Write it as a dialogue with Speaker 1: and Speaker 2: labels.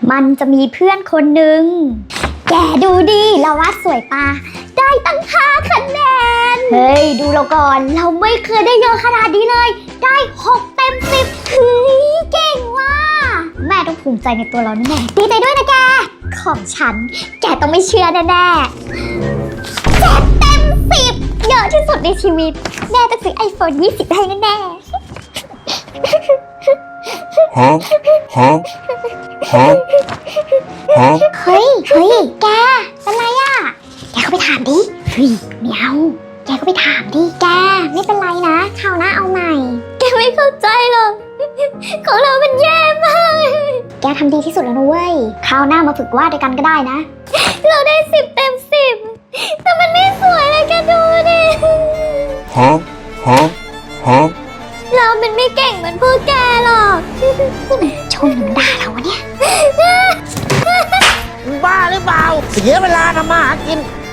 Speaker 1: มันจะมีเพื่อนคนหนึ่งแกดูดิเราวาดสวยปะได้ตั้ง5 คะแนนเฮ้ยดูเราก่อนเราไม่เคยได้เยอะขนาดนี้เลยได้6 เต็ม 10เฮ้ยเก่งว่ะแม่ต้องภูมิใจในตัวเราแน่ๆดีใจด้วยนะแกของฉันแกต้องไม่เชื่อแน่ๆ7 เต็ม 10เยอะที่สุดในชีวิตแม่ต้องซื้อ iPhone 20ให้แน่ๆ
Speaker 2: Huh? Huh? Huh? Huh?
Speaker 1: เฮ้ยแกเป็นไรอ่ะแกเข้าไปถามดิเฮ้ยไม่เอาแกก็ไปถามดิแกไม่เป็นไรนะคราวหน้าเอาใหม่แกไม่เข้าใจหรอกของเรามันแย่มากแกทำดีที่สุดแล้วนะเว้ยคราวหน้ามาฝึกวาดด้วยกันก็ได้นะเราได้10 เต็ม 10แต่มันไม่สวยเลยแกดูดิ
Speaker 2: Huh? Huh? Huh?
Speaker 1: เรามันไม่เก่งเหมือนพวกแกหรอกชมหนูด่าเราวะเนี่ย
Speaker 3: บ้าหรือเปล่าเสียเวลาทำมาหากิน